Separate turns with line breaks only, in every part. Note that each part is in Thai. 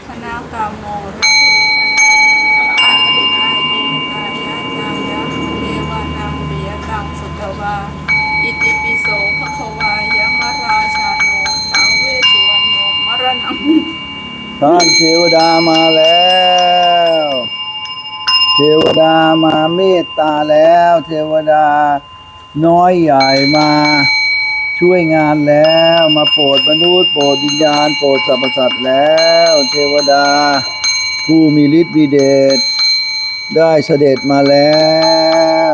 นากามโมระอาติกายินกายะจายะเทวานังเบียตังสุตวาอิติปิโสภควายะมราชาโนตังเวสสุวรรณโนมรณัง
ท่านเทวดามาแล้วเทวดามาเมตตาแล้วเทวดาน้อยใหญ่มาช่วยงานแล้วมาโปรดมนุษย์โปรดวิญญาณโปรดสรรพสัตว์แล้วเทวดาผู้มีฤทธิ์มีเดชได้เสด็จมาแล้ว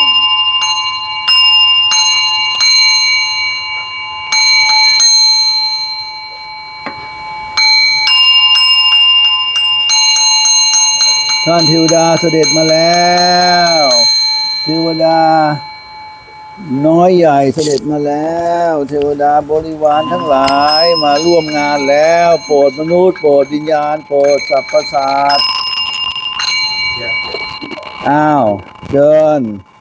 ท่านเทวดาเสด็จมาแล้วเทวดาน้อยใหญ่เสด็จมาแล้วเทวดาบริวารทั้งหลายมาร่วมงานแล้วโปรดมนุษย์โปรดวิญญาณโปรดสรรพสัตว์อ้าวเชิญ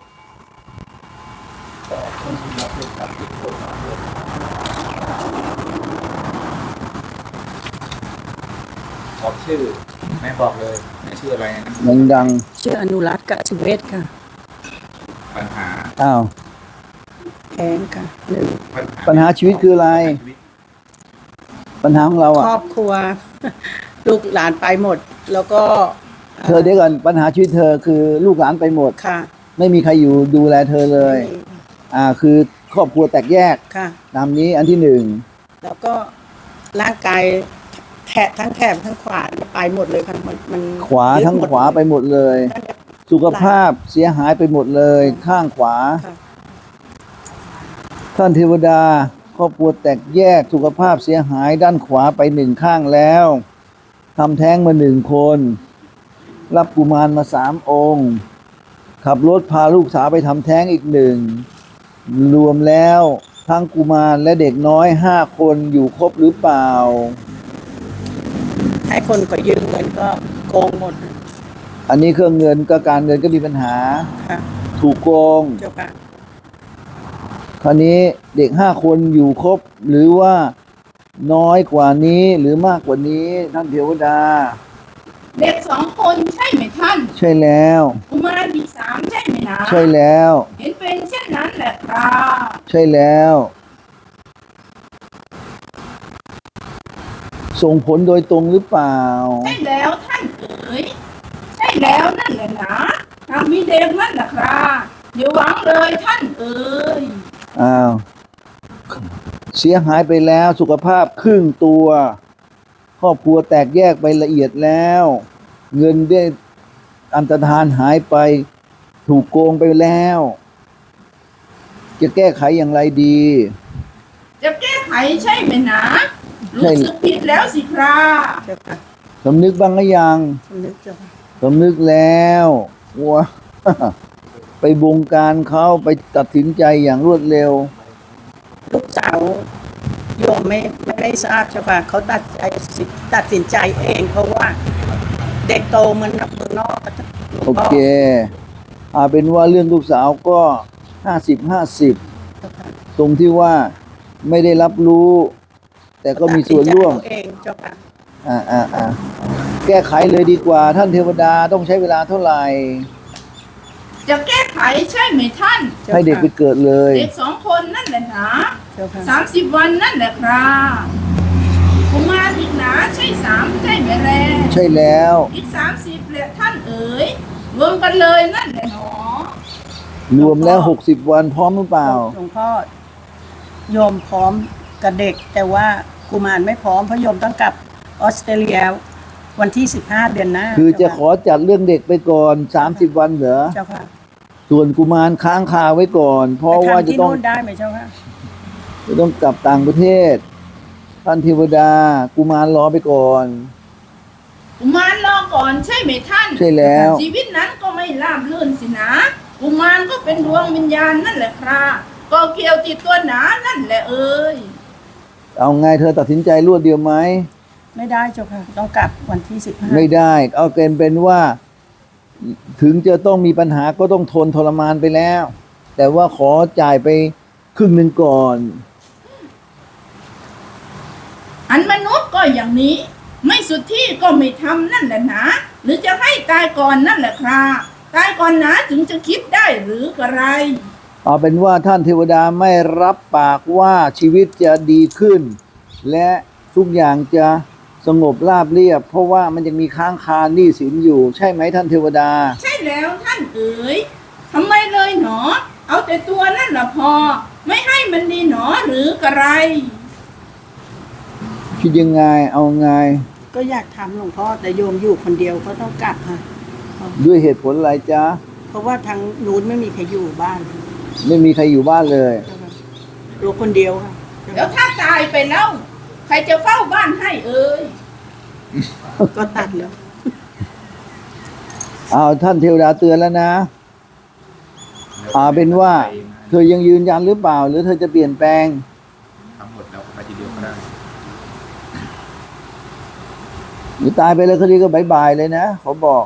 บอกชื่อไม่บอกเลยไม่ชื่ออะไรนะ
ดัง
ชื่ออนุรัตน์กะสุเวศค่ะ
ปัญหา
ๆอ้าว
แท้งค่ะหนึ่ง
ปัญหาชีวิตคืออะไรปัญหาของเรา
ครอบครัว ลูกหลานไปหมด แล้วก็
เธอเดี๋ยวก่อนปัญหาชีวิตเธอคือลูกหลานไปหมด
ค่ะ
ไม่มีใครอยู่ดูแลเธอเลยคือครอบครัวแตกแยก
ค่ะ
ตามนี้อันที่หนึ่ง
แล้วก็ร่างกายทั้งแถบทั้งขวาไปหมดเลยค่ะมัน
ขวาทั้งขวาไปหมดเลย สุขภาพเสียหายไปหมดเลย ข้างขวา
ค่ะ
ท่านเทวดาครอบครัวแตกแยกสุขภาพเสียหายด้านขวาไปหนึ่งข้างแล้วทำแท้งมาหนึ่งคน รับกุมารมา3 องค์ ขับรถพาลูกสาวไปทำแท้งอีกหนึ่งรวมแล้วทั้งกุมารและเด็กน้อย5 คนอยู่ครบหรือเปล่า
ให้คนก็ยืมเงินก็โกงหมด
อันนี้เครื่องเงินก็การเงินก็มีปัญหา
ค่ะ
ถูกโกง
เจ้าค่ะ
คราวนี้เด็ก5 คนอยู่ครบหรือว่าน้อยกว่านี้หรือมากกว่านี้ท่านเทวดา
เด็ก2 คนใช่ไหมท่าน
ใช่แล้ว
กุมารอีก3ใช่ไหมนะ
ใช่แล้ว
เห็นเป็นเช่นนั้นแหละครับ
ใช่แล้ว ส่งผลโดยตรงหรือเปล่า
ใช่แล้วท่านเอ๋ยใช่แล้วนั่นแหละนะทางมีเด็กนั่นแหละครับอย่าหวังเลยท่านเอ๋ย
อ้าวเสียหายไปแล้วสุขภาพครึ่งตัว ครอบครัวแตกแยกไปละเอียดแล้ว เงินได้อันตรธานหายไปถูกโกงไปแล้ว จะแก้ไขอย่างไรดี
จะแก้ไขใช่ไหมนะ
ใช่
รู้สึกผิดแล้วสิครับ
เจ้าค่ะ
สำนึกบ้างหรือยัง
สำนึกเจ้าค่ะ
สำนึกแล้วว้า ไปบงการเขาไปตัดสินใจอย่างรวดเร็ว
ลูกสาวโยมไม่ได้ทราบเจ้าค่ะเขาตัดสินใจเองเพราะว่า เด็กโตเหมือนกับเมืองนอก
โอเคเป็นว่าเรื่องลูกสาวก็50-50ตรงที่ว่าไม่ได้รับรู้ แต่ก็มีส่วนร่วม
ตัดสินใจเอาเองเจ้าค่ะ
แก้ไขเลยดีกว่าท่านเทวดาต้องใช้เวลาเท่าไหร่
จะแก้ไขใช่ไหมท่าน
ให้เด็กไปเกิดเลย
เด็ก2 คนนั่นแหละนะ
เจ้าค่ะ
30 วันนั่นแหละครับกุมารอีกหนาใช่3ใช่ไหมแล
ใช่แล้ว
อีก30แหละท่านเอ๋ยรวมกันเลยนั่นแหละหนอ
รวมแล้ว60 วันพร้อมหรือเปล่า
หลวงพ่อโยมพร้อมกับเด็ก แต่ว่ากุมารไม่พร้อมเพราะโยมต้องกลับออสเตรเลียวันที่15 เดือนหน้า
คือจะ
เจ้า
ขอจัดเรื่องเด็กไปก่อน30 วันเหรอ
เจ้าค่ะ
ส่วนกุมารค้างคาไว้ก่อน เพราะว่า
ไปทำ
จะ
ที่
ต้อง
นู่นได้ไหมเจ้าค่ะ
กลับต่างประเทศ ท่านเทวดากุมารรอไปก่อน
กุมารรอก่อนใช่ไหมท่าน
ใช่แล้ว
ชีวิตนั้นก็ไม่ราบรื่นสินะกุมารก็เป็นดวงวิญญาณนั่นแหละครับก็เกี่ยวติดตัวหนานั่นแหละเอ้ย
เอาไงเธอตัดสินใจรวดเดียวไหม
ไม่ได้เจ้าค่ะ ต้องกลับวันที่15
ไม่ได้ เอาเกณฑ์เป็นว่า ถึงจะต้องมีปัญหาก็ต้องทนทรมานไปแล้ว แต่ว่าขอจ่ายไปครึ่งหนึ่งก่อน
อันมนุษย์ก็อย่างนี้ไม่สุดที่ก็ไม่ทำนั่นแหละนะหรือจะให้ตายก่อนนั่นแหละครับตายก่อนนะถึงจะคิดได้หรือกระไร
เอาเป็นว่าท่านเทวดาไม่รับปากว่าชีวิตจะดีขึ้น และทุกอย่างจะสงบราบเรียบ เพราะว่ามันยังมีค้างคาหนี้สินอยู่ ใช่ไหมท่านเทวดา
ใช่แล้วท่านเอ๋ยทำไมเลยหนอ เอาแต่ตัวนั่นละพอ ไม่ให้มันดีหนอหรือกระไร
คิดยังไงเอาไง
ก็อยากทำหลวงพ่อแต่โยมอยู่คนเดียวก็ต้องกลับค่ะ
ด้วยเหตุผลอะไรจ๊ะ
เพราะว่าทางนู้นไม่มีใครอยู่บ้าน
ไม่มีใครอยู่บ้านเลย
ลูกคนเดียวค่ะ
แล้วถ้าตายไปแล้ว ใครจะเฝ้าบ้านให้เอ่ย
ก็ตัดแล้ว
เอาท่านเทวดาเตือนแล้วนะเป็นว่าเธอยังยืนยันหรือเปล่า หรือเธอจะเปลี่ยนแปลง
ทั้งหมดแล้วไปทีเดียวก็ได้
หรือตายไปแล้วคดีก็บายๆเลยนะขอบอก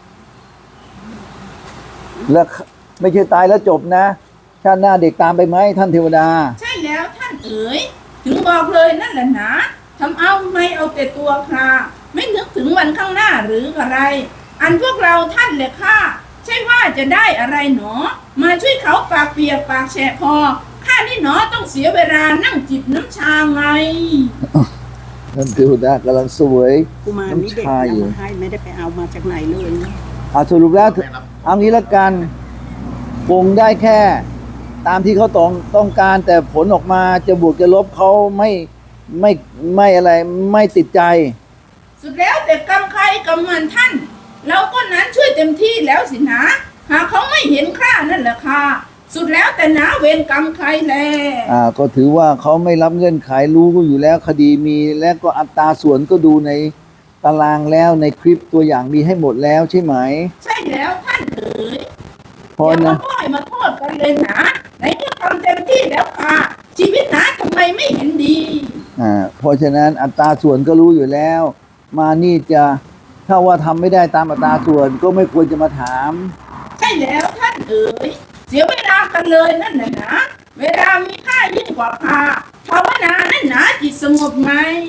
แล้วไม่ใช่ตายแล้วจบนะชาติหน้าเด็กตามไปไหมท่านเทวดา
ใช่แล้วท่านเอ๋ยถึงบอกเลยนั่นแหละนะทำเอาไม่เอาแต่ตัวคราไม่นึกถึงวันข้างหน้าหรืออะไร อันพวกเราท่านแหละค่ะใช่ว่าจะได้อะไรหนอ มาช่วยเขาปากเปียกปากแฉะพอข้านี่หนอต้องเสียเวลานั่งจิบน้ำชาไง
ท่านเทวดากำลังสวย
กุมารนี่เด็ก
น้ำชาอยู่
นำมาให้ไม่ได้ไปเอามาจากไหนเลยนะ
สรุปแล้วเอางี้ละกันคงได้แค่ ตามที่เขาต้องการแต่ผลออกมาจะบวกจะลบเขาไม่อะไรไม่ติดใจ
สุดแล้วแต่กรรมใครกรรมมันท่าน เราก็นั้นช่วยเต็มที่แล้วสินะ หากเขาไม่เห็นค่านั่นแหละค่ะ สุดแล้วแต่นะเวรกรรมใครแล
ก็ถือว่าเขาไม่รับเงื่อนไขรู้อยู่แล้วคดีมีและก็อัตราส่วนก็ดูในตารางแล้วในคลิปตัวอย่างมีให้หมดแล้วใช่ไหม
ใช่แล้วท่านเอ๋ย
พอ
อย่า
นะ
มาพ่อยมาโทษกันเลยนะไหนก็ทำเต็มที่แล้วค่ะ ชีวิตนะทำไมไม่เห็นดี
เพราะฉะนั้นอัตราส่วนก็รู้อยู่แล้ว มานี่จะถ้าว่าทำไม่ได้ตามอัตราส่วนก็ไม่ควรจะมาถาม
ใช่แล้วท่านเอ๋ยเสียเวลากันเลยนั่นแหละนะ เวลามีค่ายิ่งกว่าพาภาวนานั่นนะจิตสงบไหม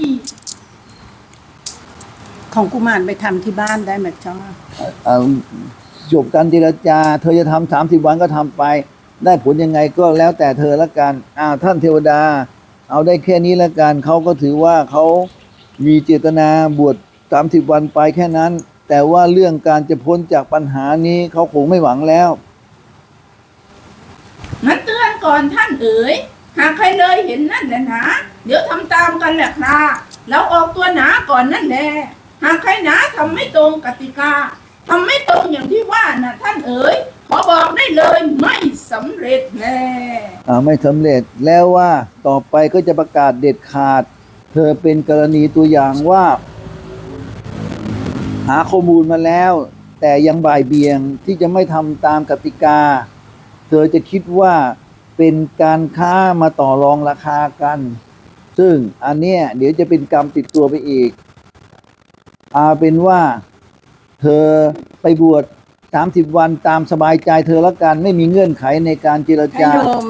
ของกุมารไปทำที่บ้านได้ไหมจ๊ะ
จบการเจรจา เธอจะทำ30 วันก็ทำไป ได้ผลยังไงก็แล้วแต่เธอละกันท่านเทวดา เอาได้แค่นี้ละกันเขาก็ถือว่าเขามีเจตนาบวช30 วันไปแค่นั้น แต่ว่าเรื่องการจะพ้นจากปัญหานี้เขาคงไม่หวังแล้ว
มันเตือนก่อนท่านเอ๋ยหากใครเลยเห็นนั่นแหละนะเดี๋ยวทำตามกันแหละครับเราออกตัวหนาก่อนนั่นแหละหากใครหนาทำไม่ตรงกติกาทำไม่ตรงอย่างที่ว่านะท่านเอ๋ยขอบอกได้เลยไม่สำเร็จแน่
ไม่สำเร็จแล้วว่าต่อไปก็จะประกาศเด็ดขาด เธอเป็นกรณีตัวอย่างว่า หาข้อมูลมาแล้ว แต่ยังบ่ายเบี่ยงที่จะไม่ทำตามกติกา เธอจะคิดว่าเป็นการค้ามาต่อรองราคากัน ซึ่งอันเนี้ยเดี๋ยวจะเป็นกรรมติดตัวไปอีกเป็นว่าเธอไปบวช30 วันตามสบายใจเธอละกันไม่มีเงื่อนไขในการเจร
ถ้า
จา
โยม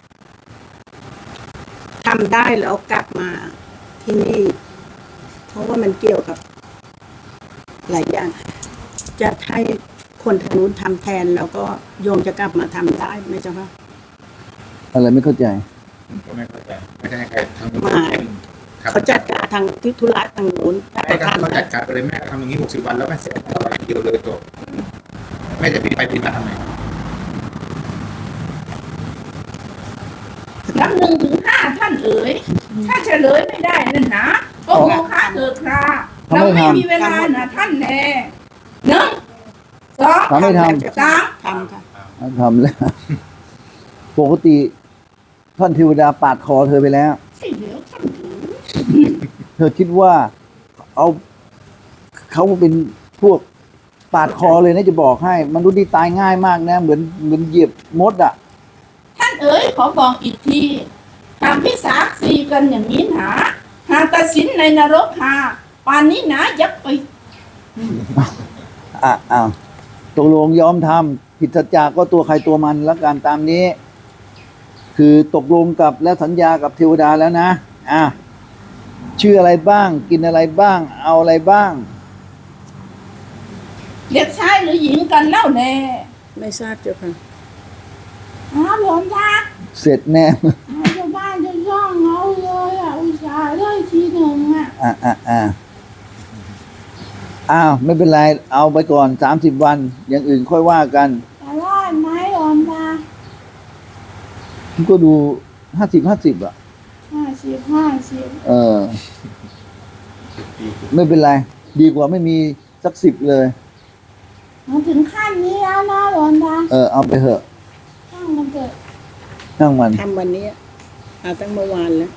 ทำได้แล้วกลับมาที่นี่ เพราะว่ามันเกี่ยวกับหลายอย่าง จะให้คนทางนู้นทำแทนแล้วก็โยมจะกลับมาทำได้ไหมจ๊ะคะ
อะไรไม่เข้าใจ
ก็ไม่เข้าใจไม่ได้ให้ใครทำ
มา เขาจัดการทางที่ธุระทางนู้นถ้า
ให้
เขา
เขา
ทำ
จัดการไปเลยแม่ทำอย่างนี้60 วันแล้วแม่เสร็จต่อไปเดียวเลยจบแม่จะปิดไปปิดมาทำไม
นับ1 ถึง 5ท่านเอ๋ยถ้าเฉลยไม่ได้นั่นนะก็โมฆะเกิดคราเราไม่มีเวลานะท่านแน่1 2
ทำไม่ท
3
ทำค่ะ
ทำแล้ว ปกติท่านเทวดาปาดคอเธอไปแล้ว
ใช่แล้วท่านเอ๋ย
เธอคิดว่าเขาเป็นพวกปาดคอเลยนะจะบอกให้มนุษย์ที่ตายง่ายมากนะเหมือนเหยียบมดอ่ะ
ท่านเอ๋ยขอบอกอีกทีหากพิสาสีกันอย่างนี้หนาหากตัดสินในนรกหาป่านนี้หนายักไป
ตกลงยอมทำผิดสัจจะก็ตัวใครตัวมันแล้วกันตามนี้ คือตกลงกับและสัญญากับเทวดาแล้วนะชื่ออะไรบ้าง กินอะไรบ้าง เอาอะไรบ้าง
เด็กชายหรือหญิงกันเล่าแน่
ไม่ทราบเจ้าค่ะ
หลวงตา
เสร็จแน่
ชาวบ้านจะย่องเอาเลยอุตส่าห์ได้ทีหนึ่ง
อ้าวไม่เป็นไร เอาไปก่อน30 วัน อย่างอื่นค่อยว่ากัน
จะรอดไหมหลวงตา
ก็ดู50-50อ่ะ
50
เออ ไม่เป็นไร ดีกว่าไม่มีสัก10เลย
มาถึงขั้นนี้แล้วนะหลวงตา
เอาไปเถอะ
ช่างมันเกิด
นั่งมัน
ทำวันนี้เอาตั้งเมื่อวานแล้ว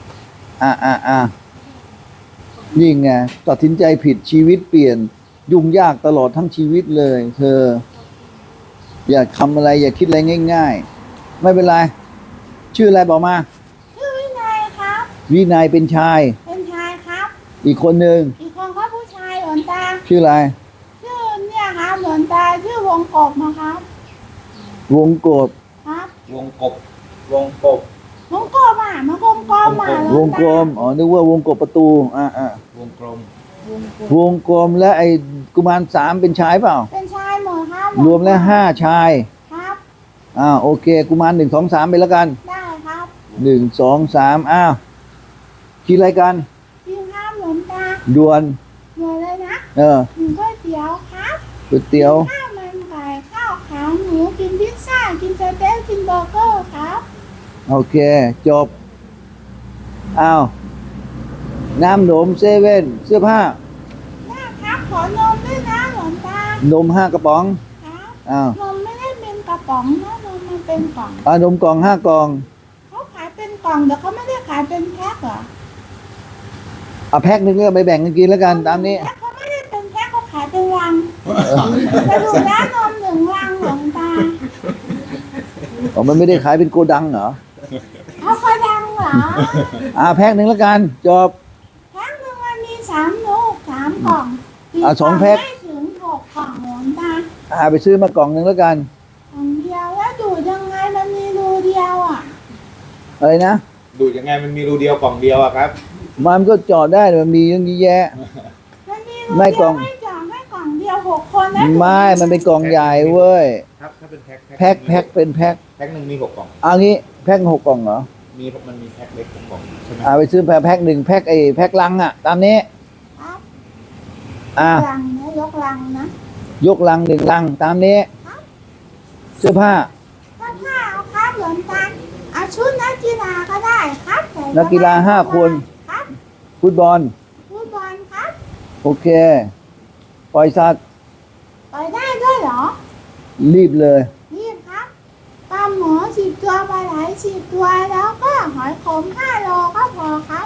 นี่ไงตัดสินใจผิดชีวิตเปลี่ยน ยุ่งยากตลอดทั้งชีวิตเลย เธอ อย่าทำอะไร อย่าคิดอะไรง่ายๆ ไม่เป็นไร ชื่ออะไรบอกมา
ชื่อวินัยครับ
วินัยเป็นชาย
เป็นชายครับ
อีกคนหนึ่ง
อีกคนก็ผู้ชายหลวงตา
ชื่ออะไร
ชื่อเนี่ยครับหลวงตาชื่อวงกบนะครับ
วงกบ
ครับ
วงกบวงกบ
วงกบมันกลมๆหล
ว
ว
ง
ง
กล
ตาม
นึกว่าวงกบประตู
วงกลม
วงกลมและไอ้กุมาร3เป็นชายเปล่า
เป็นชายหมดครับ
รวมแล้ว5ชาย
ครับ
โอเค กุมาร1 2 3ไปแล้วกัน
ได้ครับ
1 2 3กินอะไรกัน
กินข้าวหลวงตา
ด่วน
หมดเลยนะ กินก๋วยเตี๋ยวครับ
ก๋วยเตี๋ยว
ข้าวมันไก่ข้าวขาหมูกินพิซซ่ากินสเต็กกินเบอร์เกอร์ครับ
โอเค จบ น้ำหนมเซเว่นเสื้อผ้า
ได้ครับขอนมด้วยนะหลวงตาน
ม5 กระป๋อง
ครับนมไม่ได้เป็นกระป๋องนะนมมันเป็นกล่อง
นมกล่อง5 กล่อง
เขาขายเป็นกล่องแต่เขาไม่ได้ขายเป็นแพ็คเหรอ
แพ็คหนึงก็ไปแบ่งกันกินแล้วกันตามนี้
แพ็คเขาไม่ได้เป็นแพ็คเขาขายเป็นลังไปดูแล้วนม1 ลังหลวงตา
มันไม่ได้ขายเป็นโกดังเหรอ
เขาก็ดังเหรอ
แพ็คหนึ่งแล้วกัน จบ
แพ็คหนึ่งมันมี3 ลูก3 กล่อง
2 แพ็ค
ไม่ถึง6 กล่องหลวงตา
ไปซื้อมากล่องหนึ่งแล้วกัน
กล่องเดียวแล้วดูดยังไงมันมีรูเดียวอ่ะ
อะไรนะ
ดูดยังไงมันมีรูเดียวกล่องเดียวอะครับ
มันก็จอดได้มันมีเยอะแยะ
มันมีรู
ไม่
เดี
กล่
ย
อ
ว
ง
ไม่จ่อไม่กล่องเดียว6 คนแล้ว
ไม่มันเป็นกล่องใหญ่เว้ย
ครับถ้าเป็นแพ็ค
แพ็คเป็นแพ็ค
แพ็คหนึ่งมี6 กล่อง
เอางี้แพ็ค6 กล่องเหรอ
มันมีแพ็คเล็ก6 กล่องใช่ไหม
ไปซื้อแพ็คหนึ่งแพ็คลังตามนี้
ครับ
อ่ะ
ลังนะยกลังนะ
ยกลัง1 ลังตามนี้ เสื้อผ้า
ถ้าผ้าเอาครับหลวงตาเอาชุดนักกีฬาก็ได้ครับใส่
นักกีฬา5 คน
ครับ
ฟุตบอล
ฟุตบอลครับ
โอเค ปล่อยสัตว์
ไปได้ด้วยเหรอ
รีบเลย
นี่ครับปลาหมอ10 ตัวปลาไหล10 ตัวแล้วก็หอยขม5 โลก็พอครับ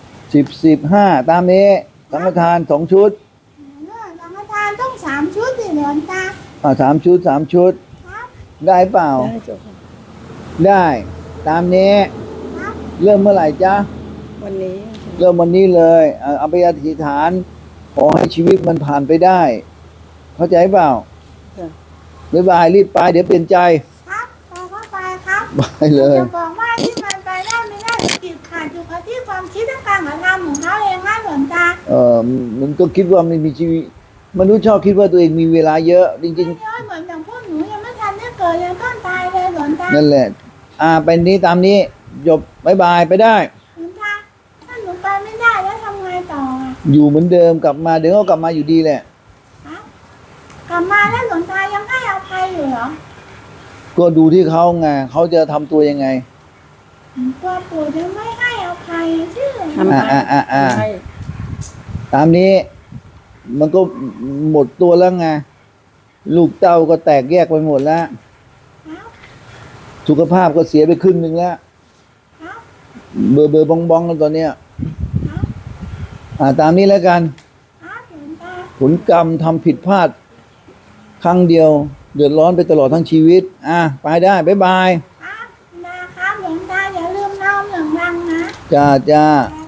10 15ตามนี้สังฆทาน2 ชุด
เรื่องสังฆทานต้อง3 ชุดสิหลวงตา
3 ชุด 3 ชุด
ครับ
ได้เปล่า
ได้เจ้าค่ะ
ได้ตามนี้
ครับ
เริ่มเมื่อไหร่จ๊ะ
วันนี้
เริ่มวันนี้เลยเอาไปอธิษฐาน ขอให้ชีวิตมันผ่านไปได้ เข้าใจเปล่า
ค่ะ
บ๊ายบายรีบไปเดี๋ยวเปลี่ยนใจ
ครับไปก็ไปครับ
ไปเลย
จะบอกว่าที่มันไปได้ไม่ได้ติดขัดอยู่กับที่ความคิดและการกระทำของเขาเองนะหลวงตา
มันก็คิดว่าไม่มีชีวิตมนุษย์ชอบคิดว่าตัวเองมีเวลาเยอะจริง
ไม่ย้อยเหมือนอย่างพวกหนูยังไม่ทันได้เกิดยังต้นตายเลยหลวงตา
ๆ นั่นแหละไปนี้ตามนี้จบบายบายไปได้
หลวงตาถ้าหนูไปไม่ได้แล้วทำไงต่ออ่ะ
อยู่เหมือนเดิมกลับมาเดี๋ยวก็กลับมาอยู่ดีแหละ
ครับกลับมาแล้วหลวงตายังให้อภัยอยู่เหรอ
ก็ดูที่เขาไงเขาจะทำตัวยังไง
ตัวปู่ยังไม่ให้อภัยชื่อ
ทำไม ให้
ตามนี้มันก็หมดตัวแล้วไงลูกเต้าก็แตกแยกไปหมดแล้ว
ครับ
สุขภาพก็เสียไปครึ่งหนึ่งแล้ว
ครับ
เบอร์บองกันตอนเนี้ย
ครับ
ตามนี้แล้วกัน
ครับหลวงตา
ผลกรรมทำผิดพลาด ครั้งเดียว เดือดร้อนไปตลอดทั้งชีวิตไปได้บ๊ายบาย
ครับมาครับหลวงตาอย่าลืมน้อม1 ลังนะ
จ้า
จ้า